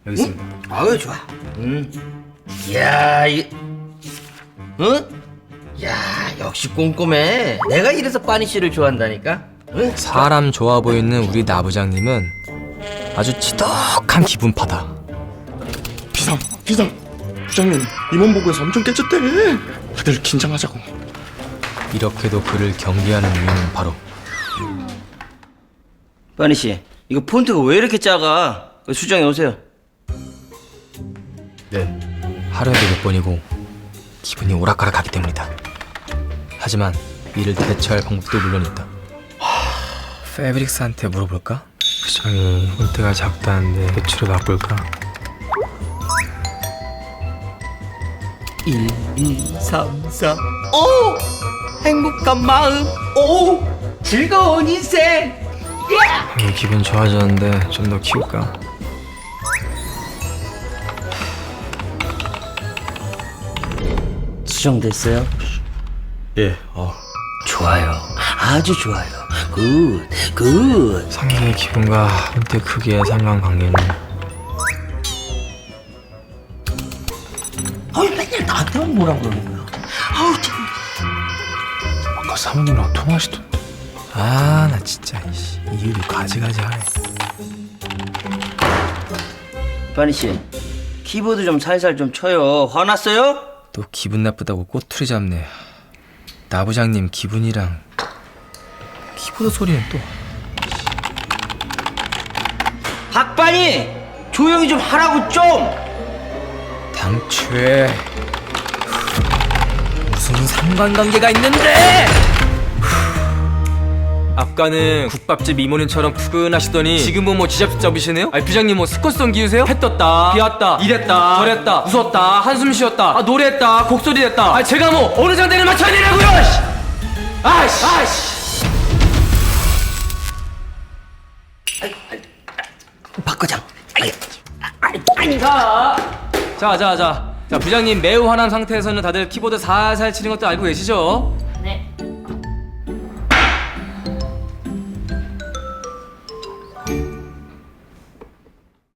여기 있습니다. 아유 좋아. 이야 야 역시 꼼꼼해. 내가 이래서 빠니씨를 좋아한다니까. 응? 사람 좋아 보이는 우리 나부장님은 아주 지독한 기분파다. 비상 부장님 임원보고에서 엄청 깨졌대. 다들 긴장하자고. 이렇게도 그를 경계하는 이유는 바로 빠니씨 이거 폰트가 왜 이렇게 작아? 수정해 오세요. 네. 하루에도 몇 번이고 기분이 오락가락하기 때문이다. 하지만 이를 대처할 방법도 물론 있다. 페브릭스한테 물어볼까? 부장이 폰트가 작다는데 배추를 바꿀까? 1, 2, 3, 4 오! 행복한 마음 오! 즐거운 인생 기분 좋아졌는데 좀 더 키울까? 수정됐어요? 예. 좋아요 아주 좋아요 굿 상대의 기분과 폰트 크기의 상관관계는 아유 맨날 나한테만 뭐라 그러는 거야. 아우 참. 아까 사모님이랑 통화하시던데. 아, 나 진짜 이유도 가지가지하네. 빠니씨 키보드 좀 살살 좀 쳐요. 화났어요? 또 기분 나쁘다고 꼬투리 잡네. 나부장님 기분이랑 키보드 소리는 또. 박빠니 조용히 좀 하라고 좀. 당최 무슨 상관관계가 있는데? 아까는 국밥집 이모님처럼 푸근하시더니 지금은 뭐 지잡 잡으시네요? 아니 부장님 뭐 스쿼트성 기우세요? 해 떴다, 비 왔다, 이랬다, 저랬다, 웃었다, 한숨 쉬었다, 아 노래했다, 곡소리 냈다. 아 제가 뭐 어느 장단에 맞춰야 되냐고요? 아이씨. 박 과장. 자, 부장님 매우 화난 상태에서는 다들 키보드 살살 치는 것도 알고 계시죠? 네.